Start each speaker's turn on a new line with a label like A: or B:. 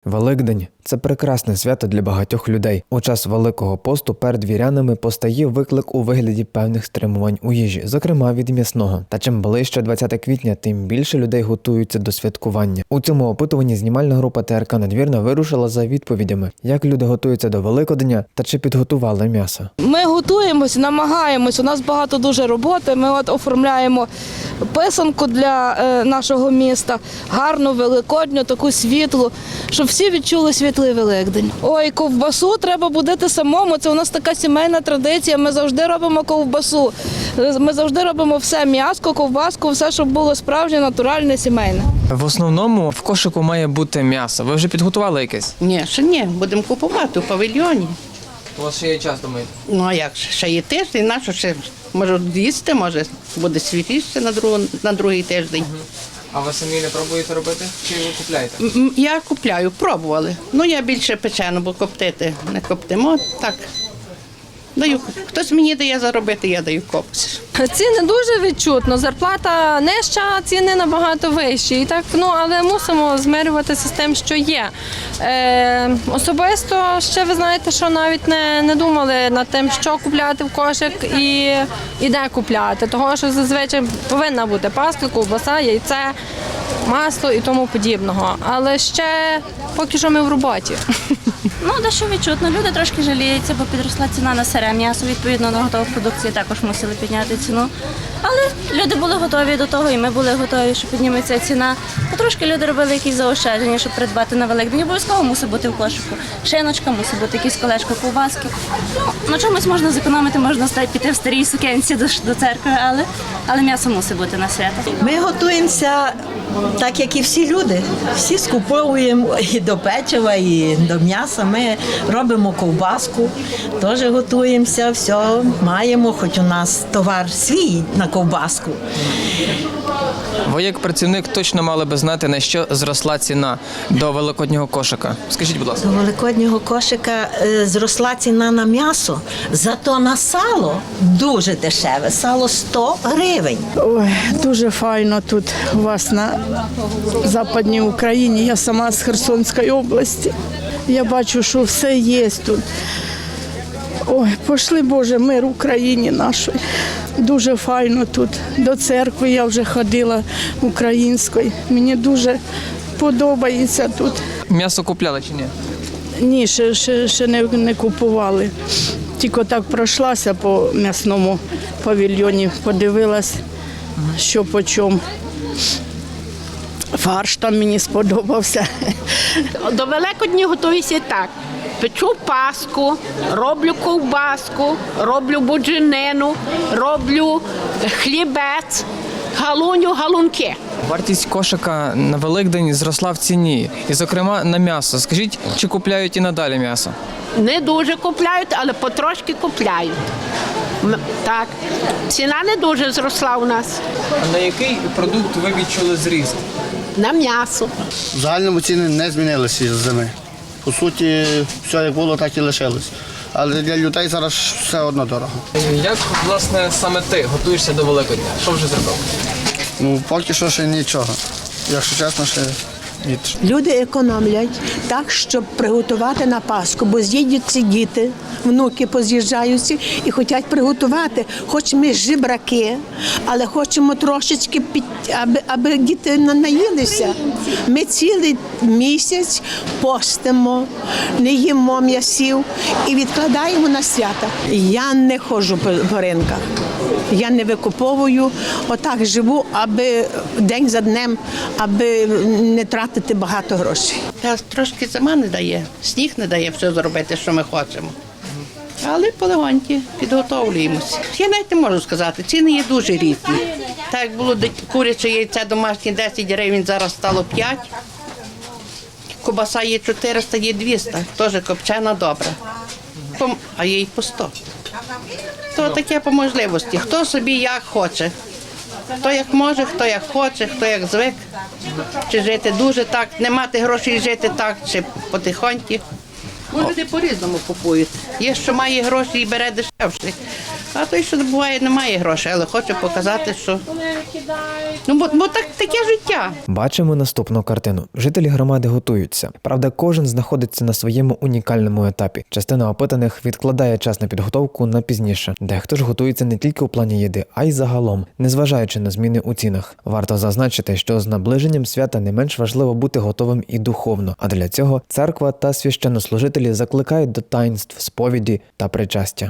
A: Великдень – це прекрасне свято для багатьох людей. У час Великого посту перед вірянами постає виклик у вигляді певних стримувань у їжі, зокрема від м'ясного. Та чим ближче 20 квітня, тим більше людей готуються до святкування. У цьому опитуванні знімальна група ТРК «Надвірна» вирушила за відповідями, як люди готуються до Великодня та чи підготували м'ясо.
B: Ми готуємось, намагаємось, у нас багато дуже роботи, ми оформляємо писанку для нашого міста, гарну, великодню, таку світлу, щоб всі відчули світлий Великдень. Ой, ковбасу треба будити самому, це у нас така сімейна традиція, ми завжди робимо ковбасу, ми завжди робимо все, м'ясо, ковбаску, все, щоб було справжнє, натуральне, сімейне.
C: В основному в кошику має бути м'ясо. Ви вже підготували якесь?
D: Ні, ще ні, будемо купувати у павільйоні.
C: У вас ще є час, думаєте?
D: Ну а як, ще є тиждень, нащо ще, може їсти, може буде свіжіше на другий тиждень.
C: А ви самі не пробуєте робити? Чи ви купляєте?
D: Я купляю, пробували. Ну я більше печену, бо коптити не коптимо, так. Даю, хтось мені дає заробити, я даю комусь.
E: Ціни дуже відчутно, зарплата нижча, ціни набагато вищі. І так, але мусимо змирюватися з тим, що є. Особисто ще ви знаєте, що навіть не думали над тим, що купляти в кошик і де купляти. Того, що зазвичай повинна бути паска, ковбаса, яйце, масло і тому подібного. Але ще поки що ми в роботі.
F: Дещо відчутно. Люди трошки жаліються, бо підросла ціна на сире м'ясо, відповідно на готову продукцію також мусили підняти ціну. Але люди були готові до того, і ми були готові, що підніметься ціна. Потрошки люди робили якісь заощадження, щоб придбати на Великдень. Обов'язково мусить бути в кошику. Шиночка, мусить бути якісь колечко, ковбаски. На чомусь можна зекономити, можна піти в старій сукенці до церкви, але м'ясо мусить бути на свято.
G: Ми готуємося так, як і всі люди. Всі скуповуємо і до печива, і до м'яса. Ми робимо ковбаску, теж готуємося, все маємо, хоч у нас товар свій на ковбаску.
C: Ви як працівник точно мали би знати, на що зросла ціна до великоднього кошика. Скажіть, будь ласка.
G: До великоднього кошика зросла ціна на м'ясо, зато на сало дуже дешеве. Сало 100 гривень.
H: Ой, дуже файно тут у вас на Западній Україні. Я сама з Херсонської області. Я бачу, що все є тут. Ой, пошли, Боже, мир Україні нашій. Дуже файно тут. До церкви я вже ходила української. Мені дуже подобається тут.
C: M'ясо купляли чи ні?
H: Ні, ще не купували. Тільки так пройшлася по м'ясному павільйоні, подивилась, що по чому. Фарш там мені сподобався.
I: До Великодня готуюся так. Печу паску, роблю ковбаску, роблю будженину, роблю хлібець, галуню, галунки.
C: Вартість кошика на Великдень зросла в ціні. І, зокрема, на м'ясо. Скажіть, чи купляють і надалі м'ясо?
I: Не дуже купляють, але потрошки купляють. Так, ціна не дуже зросла у нас.
C: А на який продукт ви відчули зріст?
I: На м'ясо.
J: В загальному ціни не змінилися з зими. По суті, все як було, так і лишилось. Але для людей зараз все одно дорого.
C: Як, власне, саме ти готуєшся до Великодня? Що вже зробив?
J: Поки що ще нічого. Якщо чесно, ще ні.
G: Люди економлять так, щоб приготувати на Пасху, бо з'їдуться діти, внуки поз'їжджаються і хочуть приготувати. Хоч ми жебраки, але хочемо трошечки, аби діти наїлися. Ми цілий місяць постимо, не їмо м'ясів і відкладаємо на свята. Я не ходжу по ринках, я не викуповую, отак живу, аби день за днем, аби не тратити багато грошей.
D: Та трошки зима не дає, сніг не дає все зробити, що ми хочемо. Але полегоньки підготовлюємося. Я навіть не можу сказати, ціни є дуже різні. Так як було куряче яйце домашнє 10 гривень, зараз стало 5. Кобаса є 400, є 200, теж копчена добра. А є й по 100. То таке по можливості. Хто собі як хоче. Хто як може, хто як хоче, хто як звик. Чи жити дуже так, не мати грошей жити так, чи потихоньки. Люди по-різному купують. Є, що має гроші і бере дешевше. А той, що буває, немає грошей, але хочу показати, що бо таке життя.
A: Бачимо наступну картину. Жителі громади готуються. Правда, кожен знаходиться на своєму унікальному етапі. Частина опитаних відкладає час на підготовку на пізніше. Дехто ж готується не тільки у плані їди, а й загалом, незважаючи на зміни у цінах. Варто зазначити, що з наближенням свята не менш важливо бути готовим і духовно, а для цього церква та священнослужителі закликають до таїнств, сповіді та причастя.